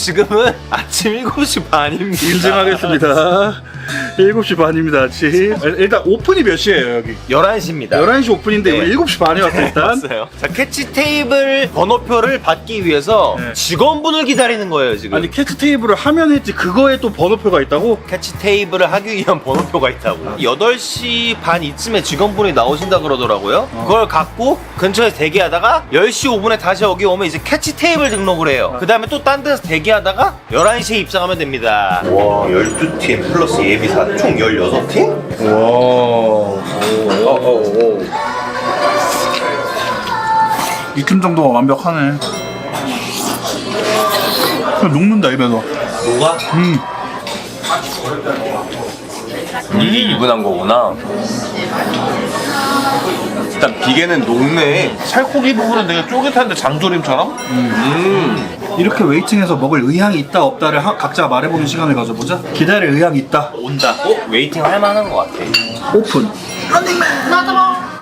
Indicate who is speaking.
Speaker 1: 지금은 아침 7시 반입니다.
Speaker 2: 인증하겠습니다. 7시 반입니다, 아침. 일단 오픈이 몇 시에요, 여기?
Speaker 1: 11시입니다.
Speaker 2: 11시 오픈인데
Speaker 1: 네.
Speaker 2: 우리 7시 반에 왔어, 일단.
Speaker 1: 왔어요. 자, 캐치 테이블 번호표를 받기 위해서
Speaker 2: 네.
Speaker 1: 직원분을 기다리는 거예요, 지금.
Speaker 2: 아니, 캐치 테이블을 하면 했지, 그거에 또 번호표가 있다고?
Speaker 1: 캐치 테이블을 하기 위한 번호표가 있다고. 8시 반 이쯤에 직원분이 나오신다 그러더라고요. 그걸 갖고 근처에서 대기하다가 10시 5분에 다시 여기 오면 이제 캐치 테이블 등록을 해요. 그 다음에 또 딴 데서 대기하다가 11시에 입장하면 됩니다. 와, 12팀 플러스 예비사 총 16팀?
Speaker 2: 와. 이 팀 정도가 완벽하네. 그냥 녹는다, 입에서.
Speaker 1: 뭐가? 이게 이분한 거구나. 일단 비계는 녹네.
Speaker 3: 살코기 부분은 되게 쫄깃한데 장조림처럼?
Speaker 2: 이렇게 웨이팅해서 먹을 의향이 있다, 없다를 각자 말해보는 시간을 가져보자. 기다릴 의향이 있다.
Speaker 1: 온다. 웨이팅 할 만한 것 같아.
Speaker 2: 오픈.